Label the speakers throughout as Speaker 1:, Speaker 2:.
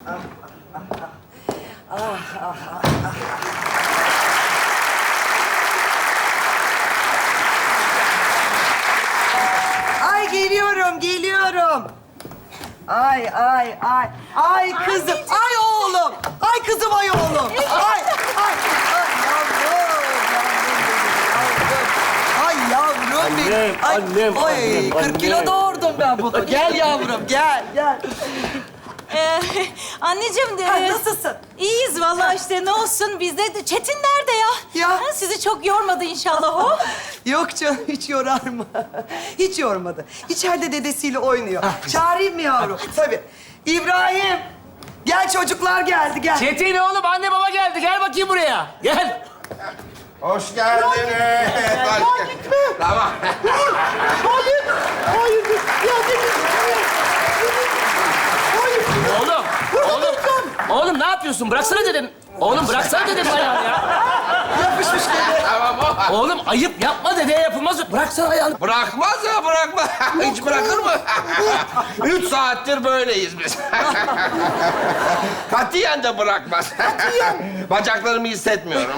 Speaker 1: Ay geliyorum. Ay. Ay kızım, ay oğlum. Ay kızım, ay oğlum. Ay yavrum benim.
Speaker 2: Annem,
Speaker 1: Ay, 40 kilo doğurdum ben bunu. Gel yavrum, gel.
Speaker 3: Anneciğim de...
Speaker 1: Ay, nasılsın?
Speaker 3: İyiyiz vallahi işte ne olsun bizde. Çetin nerede ya?
Speaker 1: Ya.
Speaker 3: Ha, sizi çok yormadı inşallah o.
Speaker 1: Yok canım, hiç yorar mı? Hiç yormadı. İçeride dedesiyle oynuyor. Çağırayım mı yavrum? Tabii. İbrahim, gel çocuklar geldi, gel.
Speaker 2: Çetin oğlum, anne baba geldi. Gel bakayım buraya. Gel.
Speaker 4: Hoş geldiniz.
Speaker 1: Ya gitme.
Speaker 4: Tamam.
Speaker 1: Hayır. Ya
Speaker 2: Oğlum ne yapıyorsun? Bıraksana dedim. Oğlum bıraksana dedim ayağını ya.
Speaker 1: yapışmış dede.
Speaker 4: Tamam o.
Speaker 2: Oğlum ayıp yapma, dedeye yapılmaz. Bıraksana ayağını.
Speaker 4: Bırakmaz ya, bırakma. Hiç bırakır mı? 3 saattir böyleyiz biz. Katiyen de bırakmaz. Bacaklarımı hissetmiyorum.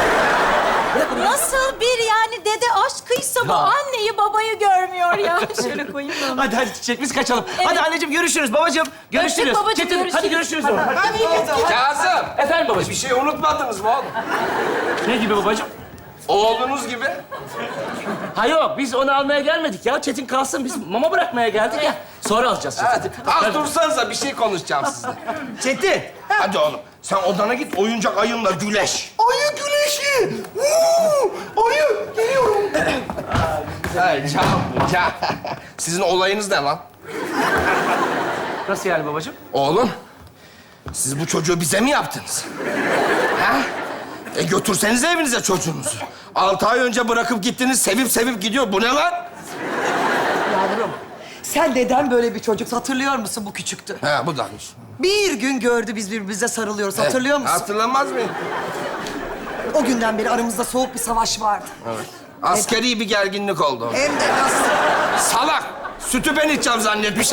Speaker 3: Nasıl bir yani dede aşkıysa bu anneyi babayı görmüyor ya. Şöyle koyayım da.
Speaker 2: Hadi Çiçek, biz kaçalım.
Speaker 3: Evet.
Speaker 2: Hadi anneciğim görüşürüz, babacığım görüşürüz.
Speaker 3: Öptük babacığım,
Speaker 2: Çetin,
Speaker 3: görüşürüz.
Speaker 2: hadi görüşürüz.
Speaker 4: Kazım,
Speaker 2: Efendim babacığım.
Speaker 4: bir şey unutmadınız mı oğlum?
Speaker 2: Ne gibi babacığım?
Speaker 4: Oğlunuz gibi.
Speaker 2: Ha yok, biz onu almaya gelmedik ya. Çetin kalsın, biz mama bırakmaya geldik ya. Sonra alacağız Çetin.
Speaker 4: Hadi, az dursanıza bir şey konuşacağım sizinle.
Speaker 2: Çetin.
Speaker 4: Hadi oğlum, sen odana git, oyuncak ayınla güleş.
Speaker 1: Ayı güneşi. Ayı, geliyorum.
Speaker 4: Ay can. Sizin olayınız ne lan?
Speaker 2: Nasıl yani babacığım?
Speaker 4: Oğlum, siz bu çocuğu bize mi yaptınız? Ha? Götürsenize evinize çocuğunuzu. 6 ay önce bırakıp gittiniz, sevip gidiyor. Bu ne lan?
Speaker 1: Yavrum, sen neden böyle bir çocuk hatırlıyor musun, bu küçüktü?
Speaker 4: He, bu damış.
Speaker 1: Bir gün gördü biz birbirimize sarılıyoruz, hatırlıyor musun?
Speaker 4: Hatırlamaz mıyım?
Speaker 1: O günden beri aramızda soğuk bir savaş vardı.
Speaker 4: Askeri bir gerginlik oldu.
Speaker 1: Hem de nasıl?
Speaker 4: Salak! Sütü ben içeceğim zannetmiş.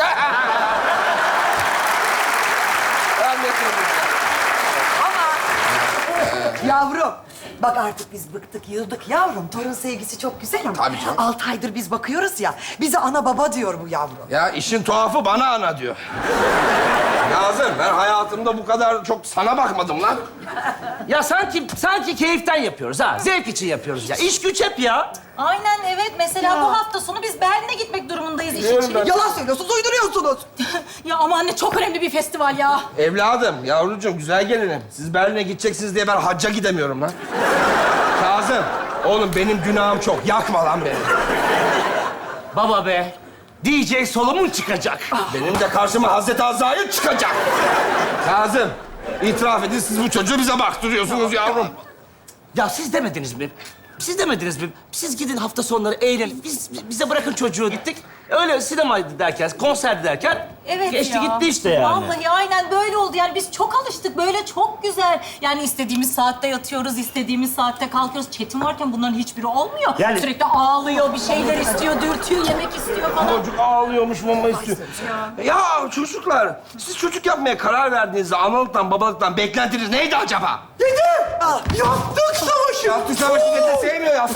Speaker 1: Yavrum, bak artık biz bıktık, yıldık yavrum. Torun sevgisi çok güzel ama...
Speaker 4: Tabii canım.
Speaker 1: 6 aydır biz bakıyoruz ya, bize ana baba diyor bu yavrum.
Speaker 4: Ya işin tuhafı bana ana diyor. Nazım, ben hayatımda bu kadar çok sana bakmadım lan.
Speaker 2: Ya sanki keyiften yapıyoruz ha. Zevk için yapıyoruz ya. İş güç hep ya.
Speaker 3: Aynen evet. Mesela bu hafta sonu biz Berlin'e gitmek durumundayız iş için.
Speaker 1: Yalan söylüyorsunuz, uyduruyorsunuz.
Speaker 3: Ya ama anne çok önemli bir festival ya.
Speaker 4: Evladım, yavrucuğum, güzel gelinim. Siz Berlin'e gideceksiniz diye ben hacca gidemiyorum lan. Kazım, oğlum benim günahım çok. Yakma lan beni.
Speaker 2: Baba be. DJ Solomon çıkacak.
Speaker 4: Benim de karşıma Hazreti Azrail çıkacak. Kazım, itiraf edin, siz bu çocuğu bize baktırıyorsunuz yavrum.
Speaker 2: Ya siz demediniz mi? Siz demediniz mi? Siz gidin hafta sonları eğlenin. Bize bırakın çocuğu gittik. Öyle sinemaydı derken, konserdi derken
Speaker 3: Evet
Speaker 2: geçti
Speaker 3: ya.
Speaker 2: gitti işte yani.
Speaker 3: Vallahi aynen böyle oldu. Yani biz çok alıştık. Böyle çok güzel. Yani istediğimiz saatte yatıyoruz, istediğimiz saatte kalkıyoruz. Çetin varken bunların hiçbiri olmuyor.
Speaker 2: Yani-
Speaker 3: Sürekli ağlıyor, bir şeyler istiyor, dürtüyor, yemek istiyor falan.
Speaker 4: Çocuk ağlıyormuş, mama istiyor. Ya çocuklar, siz çocuk yapmaya karar verdiğinizde analıktan, babalıktan beklentiniz neydi acaba?
Speaker 1: Dede, yaptık savaşı.
Speaker 4: Yaptı savaşı dede sevmiyor ya.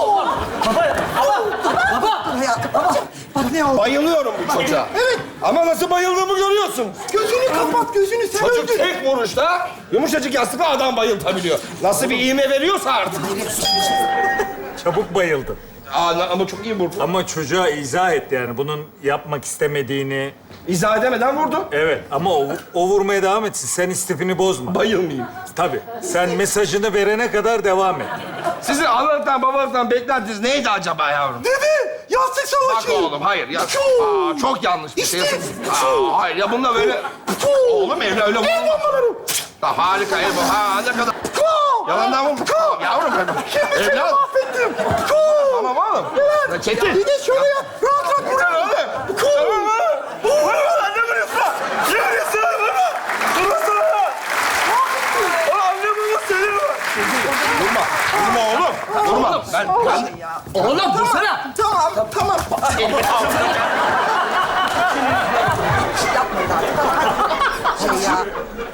Speaker 1: Hayatım, bak ne oldu?
Speaker 4: Bayılıyorum bu çocuğa.
Speaker 1: Evet.
Speaker 4: Ama nasıl bayıldığımı görüyorsunuz.
Speaker 1: Gözünü kapat, gözünü sen
Speaker 4: Çocuk
Speaker 1: öldün.
Speaker 4: tek vuruşta yumuşacık yastıkla adam bayıltabiliyor. Nasıl bir iğme veriyorsa artık.
Speaker 5: Çabuk bayıldı.
Speaker 4: Ama çok iyi vurdu.
Speaker 5: Ama çocuğa izah etti yani bunun yapmak istemediğini.
Speaker 4: İzah edemeden vurdu.
Speaker 5: Evet ama o vurmaya devam etsin. Sen istifini bozma.
Speaker 4: Bayılmayayım.
Speaker 5: Tabii. Sen mesajını verene kadar devam et.
Speaker 4: Sizin analıktan, babalıktan beklentiniz neydi acaba yavrum?
Speaker 1: Dede, yastık
Speaker 4: Bak
Speaker 1: savaşı.
Speaker 4: oğlum, hayır ya. Çok yanlış bir şey.
Speaker 1: İşte.
Speaker 4: Hayır ya, bununla böyle... Oğlum öyle vurma. Harika el bu. Ha, ne kadar... Yalandan vurma. Yavrum benim.
Speaker 1: Şimdi seni
Speaker 4: Evladım.
Speaker 1: mahvettim.
Speaker 4: Tamam oğlum. Ya Çetin.
Speaker 1: Bir de şöyle yap, rahat rahat
Speaker 4: Yeter
Speaker 1: vur.
Speaker 4: oğlum. Tamam oğlum. Vurma lan, ne vuruyorsun lan? Ne vuruyorsun lan? Vurma. Vurmasana lan. Anne baba seni var. Vurma. Vurma oğlum. Vurma. Ben...
Speaker 2: Oğlum vursana.
Speaker 1: Tamam.
Speaker 4: Elimi al.
Speaker 1: Bir şey yapmayın artık. Tamam, hadi. şey ya.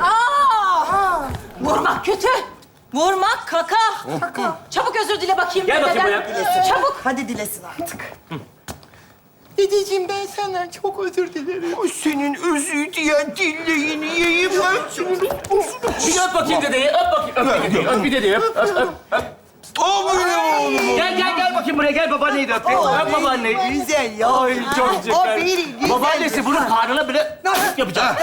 Speaker 3: Vurmak kötü. Vurmak kaka. Çabuk özür dile bakayım.
Speaker 2: Gel bakayım
Speaker 3: dededen.
Speaker 2: buraya.
Speaker 3: Çabuk.
Speaker 1: Hadi dilesin artık.
Speaker 4: Dedeciğim ben senden çok özür dilerim. O senin özür diyen dilleğini yiyeyim ben senin.
Speaker 2: Bir öp bakayım dedeyi. Öp bakayım. Öp bir dedeyi. Öp bir dedeyi. Öp.
Speaker 4: O benim oğlum.
Speaker 2: Gel bakayım buraya. Gel babaanneyi de öp. Öp babaanneyi.
Speaker 1: Güzel ya.
Speaker 2: Ay çok
Speaker 1: O
Speaker 2: şeker.
Speaker 1: benim güzel.
Speaker 2: Babaannesi bunun karnına bile yapacak.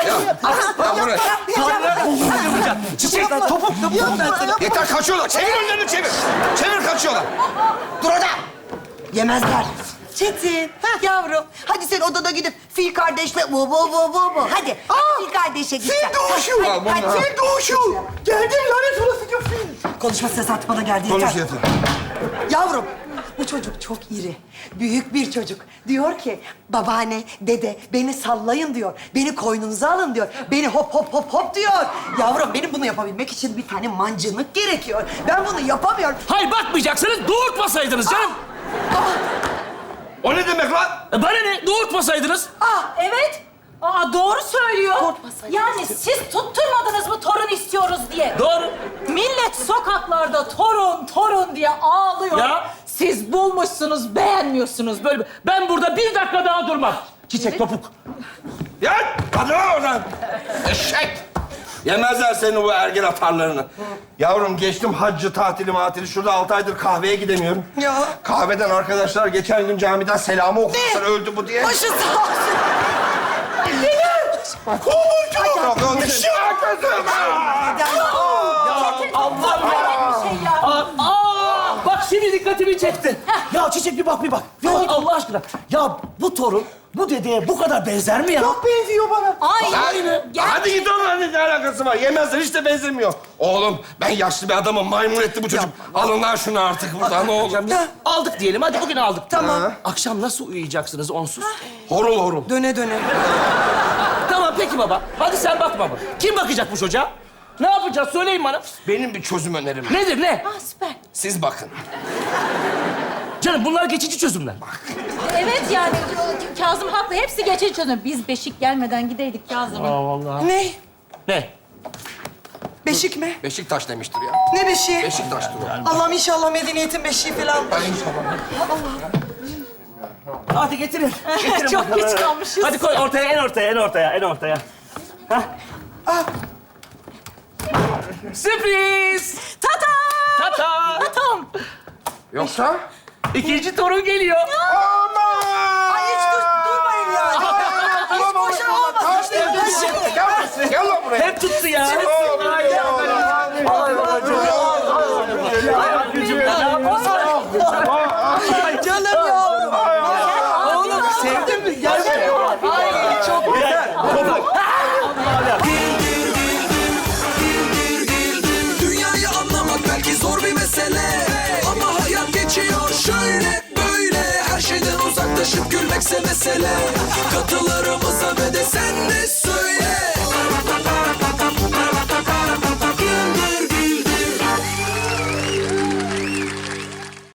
Speaker 2: Karnına yapacak. Çiçek.
Speaker 1: Topuk ben sana.
Speaker 4: Yeter kaçıyorlar. Çevir önlerini çevir. Çevir kaçıyorlar. Dur orada.
Speaker 1: Yemezler. Çetin, yavrum. Hadi sen odada gidip fil kardeşle bu. Hadi. Fil kardeşe git.
Speaker 4: Fil doğuşu. Fil doğuşu.
Speaker 1: Geldin lanet olası fil. Konuşma ses artık bana geldi.
Speaker 4: Konuş
Speaker 1: yeter.
Speaker 4: yeter.
Speaker 1: Yavrum, bu çocuk çok iri. Büyük bir çocuk. Diyor ki, babaanne, dede beni sallayın diyor. Beni koynunuza alın diyor. Beni hop hop hop hop diyor. Yavrum, benim bunu yapabilmek için bir tane mancınık gerekiyor. Ben bunu yapamıyorum.
Speaker 2: Hayır bakmayacaksınız. Doğurtmasaydınız canım.
Speaker 4: O ne demek lan?
Speaker 2: Bana ne? Doğurtmasaydınız.
Speaker 3: Evet. Doğru söylüyor.
Speaker 1: Korkmasaydınız.
Speaker 3: Yani siz tutturmadınız mı torun istiyoruz diye.
Speaker 2: Doğru.
Speaker 3: Millet sokaklarda torun diye ağlıyor.
Speaker 2: Ya.
Speaker 3: Siz bulmuşsunuz, beğenmiyorsunuz.
Speaker 2: Böyle ben burada bir dakika daha durmam. Çiçek topuk.
Speaker 4: Ya hadi lan oradan. Eşek. Yemezler senin bu ergen atarlarını. Yavrum geçtim haccı, tatili. Şurada 6 aydır kahveye gidemiyorum.
Speaker 1: Ya.
Speaker 4: Kahveden arkadaşlar geçen gün camiden selamı okumuşlar öldü bu diye.
Speaker 1: Başı sağ olsun.
Speaker 2: Allah'ım ya.
Speaker 3: Bir şey ya.
Speaker 2: Bak şimdi dikkatimi çekti. Ya Çiçek bir bak. Ya Allah aşkına. Ya bu torun bu dedeye bu kadar benzer mi ya?
Speaker 1: Çok benziyor bana.
Speaker 3: Aynı.
Speaker 4: Hadi git onun ne alakası var? Yemezler hiç de benzemiyor. Oğlum ben yaşlı bir adamım. Maymun etti bu çocuk. Alın lan şunu artık buradan ne olur.
Speaker 2: Aldık diyelim. Hadi bugün aldık.
Speaker 1: Tamam.
Speaker 2: Akşam nasıl uyuyacaksınız onsuz?
Speaker 4: Horul horul.
Speaker 1: Döne döne.
Speaker 2: Tamam peki baba. Hadi sen bak baba. Kim bakacak bu çocuğa? Ne yapacağız? Söyleyin bana.
Speaker 4: Benim bir çözüm önerim.
Speaker 2: Nedir ne?
Speaker 3: Süper.
Speaker 4: Siz bakın.
Speaker 2: Canım bunlar geçici çözümler.
Speaker 3: Evet yani Kazım haklı. Hepsi geçici çözüm. Biz beşik gelmeden gideydik Kazım'ın.
Speaker 2: Vallahi.
Speaker 1: Ne?
Speaker 2: Ne?
Speaker 1: Beşik mi?
Speaker 4: Beşiktaş demiştir ya.
Speaker 1: Ne beşiği?
Speaker 4: Beşiktaş'tır o.
Speaker 1: Allah'ım inşallah medeniyetin beşiği falan.
Speaker 2: Hadi getirin. Getirin
Speaker 3: Çok
Speaker 2: bakalım.
Speaker 3: geç kalmışız.
Speaker 2: Hadi koy ortaya, en ortaya. Hah. Sürpriz!
Speaker 3: Tata!
Speaker 2: Tata!
Speaker 3: Tatam!
Speaker 4: Yoksa?
Speaker 2: İkinci torun geliyor.
Speaker 1: Ay hiç durmayın ya. Hiç boşuna olmasın.
Speaker 4: Gel lan buraya.
Speaker 2: Hep tuttu ya. Ay babacığım. Ay anneciğim ya.
Speaker 1: Canım yavrum. Oğlum sevdin mi? Gel. Ay çok güzel.
Speaker 6: Dünyayı anlamak belki zor bir mesele, ama hayat geçiyor şöyle böyle. Her şeyden uzaklaşıp gülmekse mesele. Katılırım